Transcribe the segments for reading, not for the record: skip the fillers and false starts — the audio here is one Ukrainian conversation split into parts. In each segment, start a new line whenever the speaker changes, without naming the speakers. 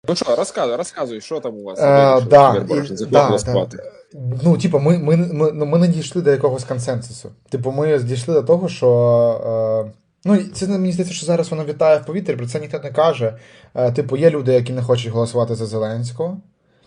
Ну що, розказуй, що там у вас вирішили, що
Да, і,
Вірборож не
да, да.
голосувати.
Ну, типу, ми не дійшли до якогось консенсусу. Типу, ми дійшли до того, що. Ну, і це мені здається, що зараз воно вітає в повітрі, про це ніхто не каже. Типу, є люди, які не хочуть голосувати за Зеленського.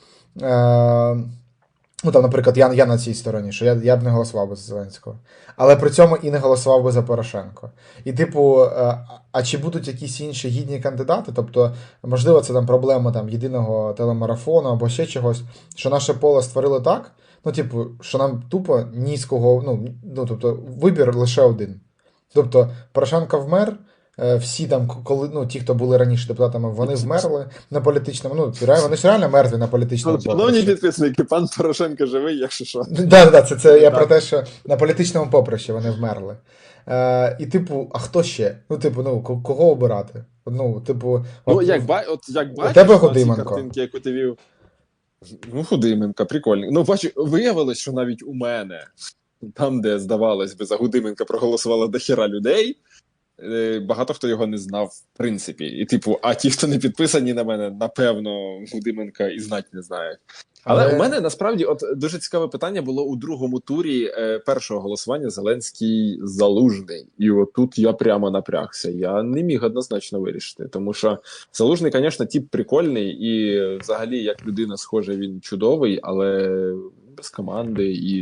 Е, Ну, там, наприклад, я на цій стороні, що я б не голосував би за Зеленського. Але при цьому і не голосував би за Порошенко. І, типу, а чи будуть якісь інші гідні кандидати? Тобто, можливо, це там проблема там, єдиного телемарафону або ще чогось, що наше поле створили так, ну, типу, що нам тупо ні з кого, тобто, вибір лише один. Тобто, Порошенко вмер, всі там, коли, ну, ті, хто були раніше депутатами, вони вмерли на політичному, вони ж реально мертві на політичному
Шановні
поприщі.
підписники, пан Порошенко живий, якщо що.
Да, це я про
Так.
те, що на політичному поприщі вони вмерли. І, типу, а хто ще? Ну, типу, кого обирати? Ну, типу,
Ну,
от
як
у тебе
бачиш на ці
Гудименко.
картинки, яку ти вів, ну, Гудименка, прикольний. Ну, бачу, виявилось, що навіть у мене, там, де, здавалось би, за Гудименка проголосувало дохіра людей, багато хто його не знав, в принципі. І, типу, а ті, хто не підписані на мене, напевно, Гудименка і знать не знають. Але у
Але
мене насправді от дуже цікаве питання було у другому турі першого голосування Зеленський Залужний. І отут я прямо напрягся. Я не міг однозначно вирішити, тому що Залужний, звісно, тип прикольний, і взагалі, як людина, схоже, він чудовий, але без команди і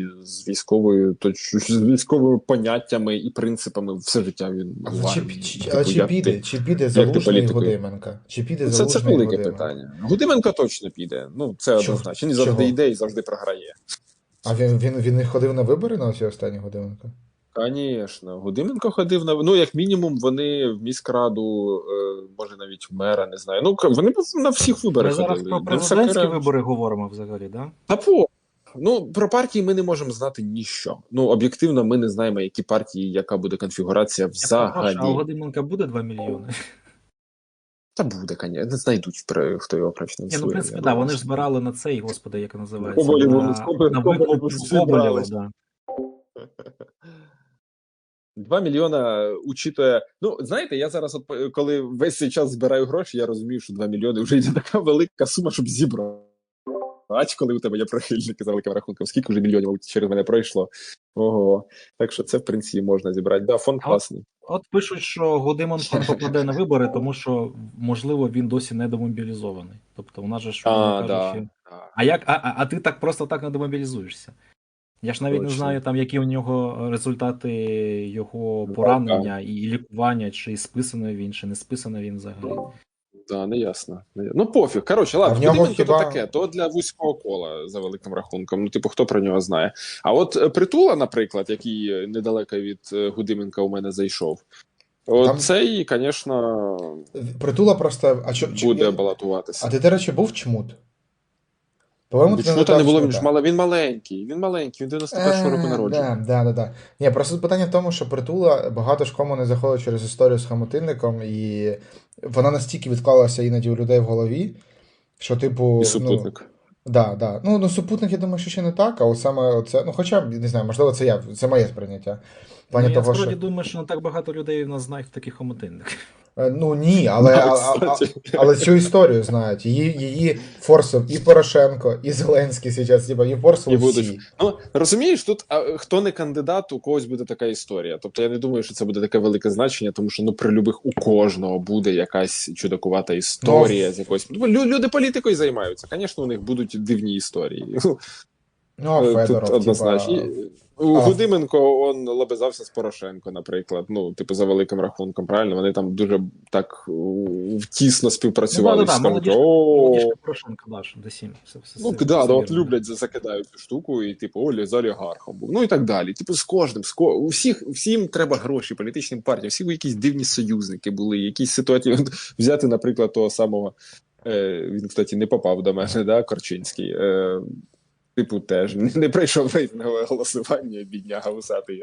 з військовими поняттями і принципами все життя він
але
в
чи,
армії.
чи, але
Типу,
чи піде? Чи піде
як ти
Залужний і
політикою?
Гудименко? Чи піде
Це
Залужний і
велике
Гудименко?
питання. Гудименко точно піде. Ну, це однозначно. Він завжди
Чого?
йде і завжди програє.
А він не ходив на вибори на оці останні Гудименко?
Звісно, Гудименко ходив на ну, як мінімум, вони в міськраду, може навіть в мера, не знаю. Ну, вони на всіх
Ми
виборах
зараз
ходили.
про
Він
президентські
Сакара.
вибори говоримо взагалі, да?
Та по. Ну, про партії ми не можемо знати ніщо. Ну, об'єктивно, ми не знаємо, які партії, яка буде конфігурація
Я перепрошую, а у
взагалі.
Годименка буде 2 мільйони?
Та буде, звісно. Не знайдуть, хто його
Ні, ну, в
профінансує.
принципі,
Я
да,
думаю,
вони ж
що
збирали на цей, господи, як називається,
Коболєву,
на
Коболєву
викуп Коболєва,
зібрались.
да.
2 мільйона учитує. Ну, знаєте, я зараз, от, коли весь цей час збираю гроші, я розумію, що 2 мільйони вже йде така велика сума, щоб зібрати. Коли у тебе є прихильники за великим рахунком, скільки вже мільйонів через мене пройшло. Ого. Так що це, в принципі, можна зібрати. Да, фонд
А от,
класний.
от пишуть, що Годименко не попаде на вибори, тому що, можливо, він досі не демобілізований. Тобто, у нас же ж, умовно
Да.
кажучи, а як, а ти так просто так не демобілізуєшся? Я ж навіть не
Точно.
знаю, там, які у нього результати його
Да.
поранення і лікування, чи списаний він, чи не списаний він взагалі.
Да, не ясно. Ну, пофіг. Коротше,
А
ладно,
в нього
Гудименко
хіба-
то таке, то для вузького кола за великим рахунком. Ну, типу, хто про нього знає. А от Притула, наприклад, який недалеко від Гудименка у мене зайшов,
Там
цей, звісно,
Притула просто.
буде балотуватися.
А ти, до речі, був чмут? По-моєму, ти не
Чому та не
додав
було? Він ж
чмута.
він маленький, він 91-го року народження.
Да. Ні, просто питання в тому, що Притула багато ж кому не заходить через історію з Хамотинником, і вона настільки відклалася іноді у людей в голові, що, типу,
І супутник.
Да. Ну, супутник, я думаю, що ще не так, а от саме оце, ну, хоча б, не знаю, можливо, це моє сприйняття. В плані
Ну, я
того,
справді
що.
думаю, що не так багато людей в нас знають таких хомотинник.
Ну ні,
Да, кстати.
але цю історію знають. Її форсив і Порошенко, і Зеленський зараз, типа, її форсили
І будуть.
всі.
Ну, розумієш, тут хто не кандидат, у когось буде така історія. Тобто я не думаю, що це буде таке велике значення, тому що при любих у кожного буде якась чудакувата історія з якоюсь. Люди політикою займаються. Звісно, у них будуть дивні історії.
Ну, а Федоров,
Тут однозначно.
типа.
Гудименко он лобизався з Порошенко, наприклад. Ну, типу, за великим рахунком, правильно? Вони там дуже так тісно співпрацювали. Всі кажуть,
молодіжка Порошенка, да, що до 7.
Ну, да, от люблять, закидають цю штуку, і типу, Олі з олігархом був. Ну і так далі. Типу, з кожним, всім треба гроші, політичним партіям, всі якісь дивні союзники були, якісь ситуації. Взяти, наприклад, того самого, він, кстати, не попав до мене, да, Корчинський. Типу, теж не пройшов рейтингове голосування, бідняга усатий,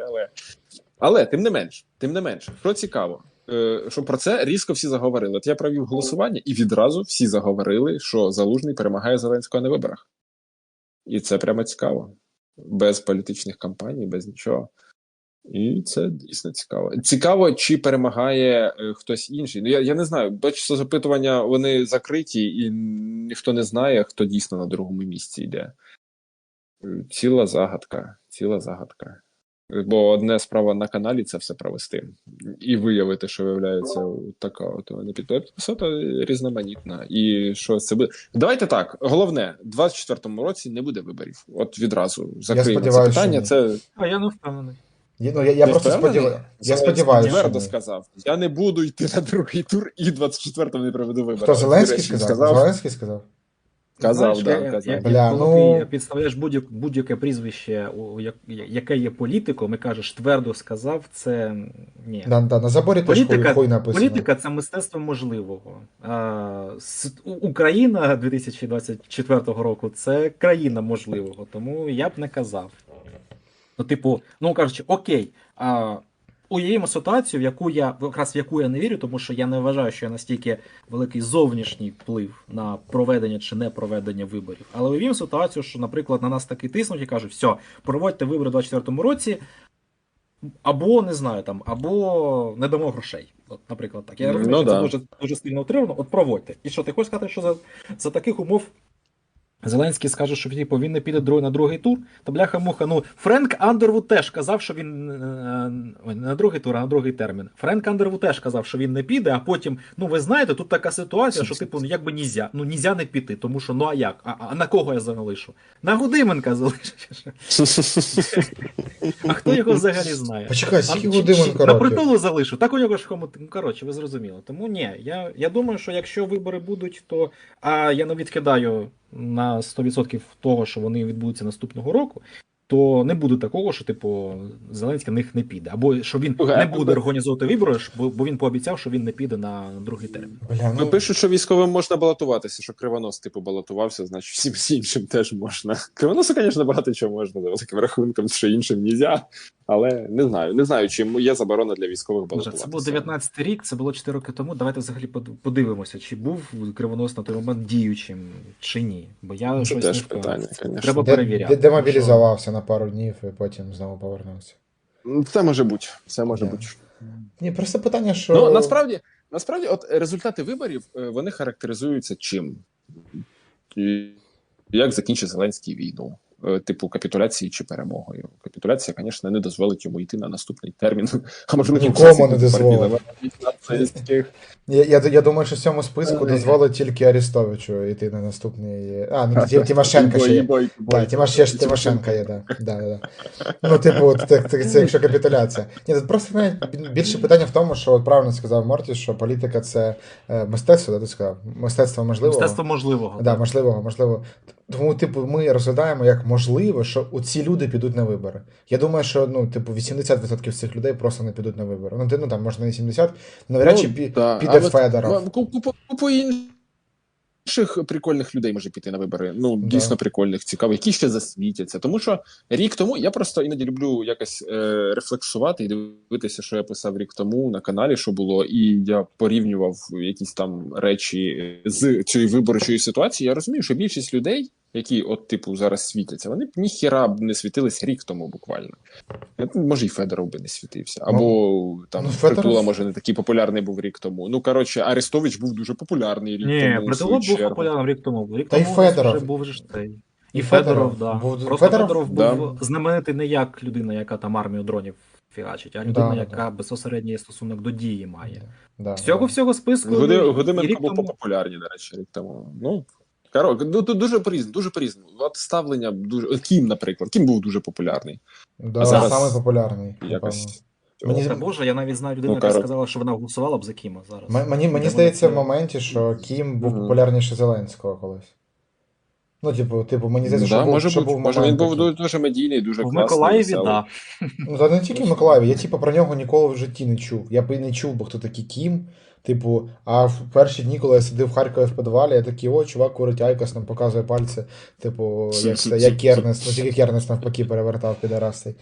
але тим не менш, що цікаво, що про це різко всі заговорили. От я провів голосування, і відразу всі заговорили, що Залужний перемагає Зеленського на виборах. І це прямо цікаво. Без політичних кампаній, без нічого. І це дійсно цікаво. Цікаво, чи перемагає хтось інший. Ну, я не знаю, бачу, запитування, вони закриті, і ніхто не знає, хто дійсно на другому місці йде. Ціла загадка, ціла загадка. Бо одне справа на каналі це все провести. І виявити, що виявляється така от підписата різноманітна. І що це буде. Давайте так. Головне, в 24-му році не буде виборів. От відразу закриємо це
сподіваюся,
питання.
що ні.
Це
А я не впевнений.
Я
Ти
просто
впевнений?
я сподіваюся, що
Твердо
ні.
сказав. Я не буду йти на другий тур і 24-му не проведу вибори.
Хто, Зеленський
До речі,
сказав? Зеленський сказав?
Казав,
Знаєш,
да, казав.
Бля,
коли
ну-
ти підставляєш будь-яке прізвище, яке є політиком, і кажеш, твердо сказав, це ні.
Да, на заборі теж хуй написано.
Політика це мистецтво можливого. Україна 2024 року це країна можливого, тому я б не казав. Ну, типу, ну кажучи, окей, уявімо ситуацію, в яку я не вірю, тому що я не вважаю, що є настільки великий зовнішній вплив на проведення чи не проведення виборів. Але уявімо ситуацію, що, наприклад, на нас таки тиснуть і кажуть, все, проводьте вибори у 2024 році, або не знаю там, або не дамо грошей. От, наприклад, так. Я розумію, що це дуже, дуже сильно утримано. От проводьте. І що, ти хочеш сказати, що за таких умов Зеленський скаже, що типу, він не піде на другий тур, то бляха-муха. Ну, Френк Андервуд теж казав, що він не на другий тур, а на другий термін. Френк Андервуд теж казав, що він не піде, а потім, ну ви знаєте, тут така ситуація, що типу, ну якби нельзя. Ну нельзя не піти, тому що ну а як? А на кого я залишу? На Гудименка залишу. А хто його взагалі знає?
Почекай, скільки Гудименка
На
років?
притулу залишу. Так у нього ж коротше, ви зрозуміли. Тому ні, я думаю, що якщо вибори будуть, то я не відкидаю на 100% того, що вони відбудуться наступного року, то не буде такого, що типу Зеленський на них не піде. Або що він не буде організовувати вибори, бо він пообіцяв, що він не піде на другий термін.
Бля,
Ну, пишуть, що військовим можна балотуватися, що Кривонос, типу, балотувався, значить всім іншим теж можна. Кривоносу, звісно, багато чого можна, за великим рахунком, що іншим нельзя, але не знаю, чи є заборона для військових балотуватися.
Це був 19-й рік, це було 4 роки тому. Давайте взагалі подивимося, чи був Кривонос на той момент діючим, чи ні. Бо я
Це
щось
теж
не впевнений.
питання, звісно.
Треба перевіряти.
Демобілізувався на пару днів і потім знову повернувся.
Це може бути, це може
Да.
бути.
Ні, просто питання, що...
Ну, насправді, от результати виборів, вони характеризуються чим? І як закінчить Зеленський війну? Типу капітуляції чи перемогою. Капітуляція, звісно, не дозволить йому йти на наступний термін. А може
Нікому не дозволить.
дозволить.
Я думаю, що в цьому списку дозволить тільки Арестовичу йти на наступний... Тимошенко ще є. Так, Тимошенко є, да. Ну, типу, це якщо капітуляція. Ні, тут просто навіть більше питання в тому, що от правильно сказав Морті, що політика це мистецтво, ти сказав? Мистецтво можливого.
Мистецтво можливого.
Да, можливо. Тому, типу, ми розглядаємо як можливо, що ці люди підуть на вибори. Я думаю, що, 80% цих людей просто не підуть на вибори. Ну, там, може, не 70%, навряд чи піде Федоров.
Купу інших прикольних людей може піти на вибори. Ну, дійсно прикольних, цікавих, які ще засвітяться. Тому що рік тому, я просто іноді люблю якось рефлексувати і дивитися, що я писав рік тому на каналі, що було, і я порівнював якісь там речі з цієї виборчої ситуації. Я розумію, що більшість людей, які от типу зараз світяться, вони б ніхіра б не світились рік тому буквально. Може, і Федоров би не світився. Або там Притула, може, не такий популярний був рік тому. Ну, коротше, Арестович був дуже популярний рік тому.
Ні, Притула був популярним рік тому. Рік
Та й
тому
Федоров.
вже був же цей. І Федоров, да. Просто Федоров був знаменитий не як людина, яка там армію дронів фігачить, а людина, яка безпосередній стосунок до дії має. Всього списку.
Гудименко був популярний, до речі, рік тому. Ну, тут дуже по-різному. От ставлення дуже... Кім, наприклад. Кім був дуже популярний.
Да, зараз самий популярний.
Якось...
Боже, я навіть знаю людину, яка сказала, що вона голосувала б за Кіма зараз.
Мені здається в моменті, що Кім був популярніше Зеленського колись. Ну, типу, мені здається, що був момент.
Може, він був дуже медійний, дуже класний.
В Миколаєві, так.
Ну, та не тільки в Миколаєві, я про нього ніколи в житті не чув. Я б і не чув, бо хто такий Кім. Типу, а в перші дні, коли я сидив в Харкові в підвалі, я такий, чувак курить айкос, нам показує пальці, типу, як Кернес, тільки Кернес навпаки перевертав підарастий.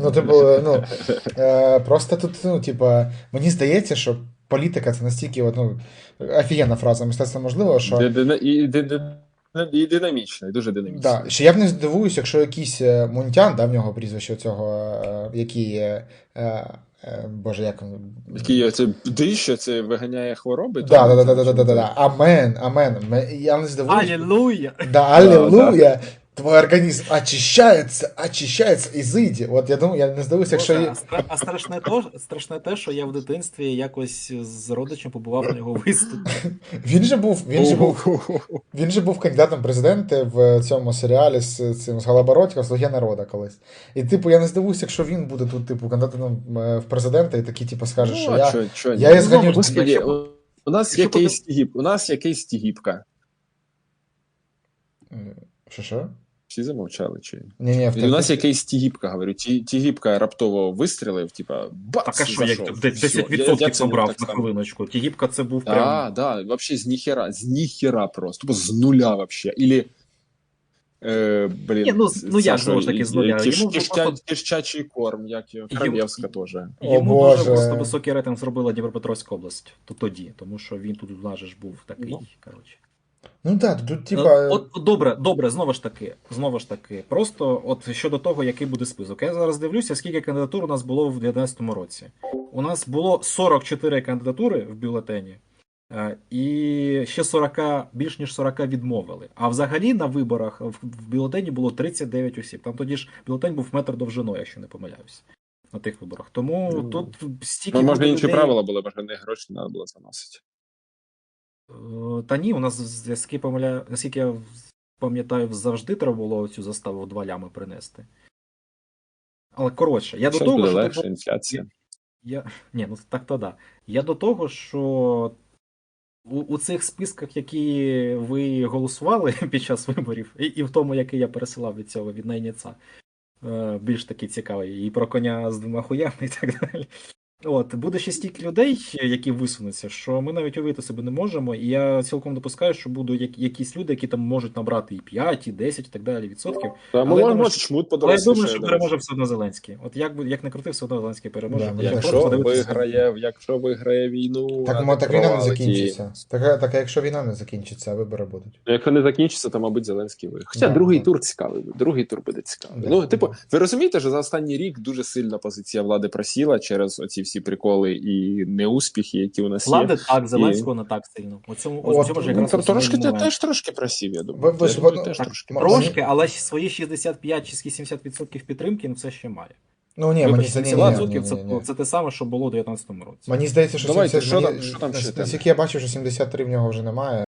Просто тут, мені здається, що політика це настільки, офігенна фраза, мистецтво можливо, що...
і динамічно, і дуже динамічно.
Да. Ще я б не здивуюсь, якщо якийсь Мунтян, да, в нього прізвище цього, який Боже, як він.
Який це дищо, це виганяє хвороби?
Да. Амен. Я не здивуюсь.
Алілуя!
Да, аллилуйя. Твой организм очищается, изыди. От я думаю, я не здивуюся, якщо
Боже, а страшне те, що я в дитинстві якось з родичем побував на його виступі.
Він же був кандидатом в президенти в цьому серіалі з Голобородько «Слуги народу» колись. І типу, я не здивуюся, якщо він буде тут, типу, кандидатом в президенти і такий, типу, скаже, що я її зганю.
Господи, у нас якийсь Тігіпка.
Що?
Всі замовчали, чи?
Ні,
у нас якийсь Тігіпка, говорю. Тігіпка раптово вистрілив, типа, бац,
Так, а що, як
зайшов.
10% набрав на хвилиночку. Тігіпка це був прям...
Да, вообще з ніхера просто. Тупо з нуля вообще. Или, блін,
Ні, ну як знову ж таки з нуля?
Кишчачий корм, як його, Крав'євська теж.
Йому дуже просто високий рейтинг зробила Дніпропетровська область тоді, тому що він тут у нас же ж був такий, коротше.
Ну так, тут типа.
От добре, знову ж таки. Просто от щодо того, який буде список. Я зараз дивлюся, скільки кандидатур у нас було в 2019 році. У нас було 44 кандидатури в бюлетені, і ще більш ніж 40 відмовили. А взагалі на виборах в бюлетені було 39 осіб. Там тоді ж бюлетень був метр довжиною, якщо не помиляюсь. На тих виборах. Тому тут стільки.
Може, інші правила були, може, не гроші треба було заносити.
Та ні, у нас, наскільки я пам'ятаю, завжди треба було цю заставу в 2 лями принести. Але коротше, я до того,
буде
що...
легше, інфляція.
Ні, ну так то да. Я до того, що у цих списках, які ви голосували під час виборів, і в тому, який я пересилав від цього, від найняця, більш такий цікавий, і про коня з 2 хуями і так далі. От, буде ще стільки людей, які висунуться, що ми навіть уявити себе не можемо, і я цілком допускаю, що будуть якісь люди, які там можуть набрати і 5, і 10, і так далі відсотків.
Але я думаю, що
переможе все одно Зеленський. От як не крути, все одно Зеленський переможе.
Да,
якщо виграє війну...
Так війна не закінчиться. Так якщо війна не закінчиться, а вибори будуть.
Якщо не закінчиться, то, мабуть, Зеленський виграє. Хоча другий тур цікавий. Другий тур буде цікавий. Ну, типу, ви розумієте, що за останній рік дуже сильна позиція влади просіла через оці всі приколи і неуспіхи, які у нас є.
Влади так, Зеленського не так сильно. У цьому ж якраз
теж трошки просів, я думаю.
Трошки, але свої 65 чи 70% підтримки все ще має.
Ну ні, мені
це те саме, що було у 2019 році.
Мені здається, що
наскільки я бачив, що
73 в нього вже немає.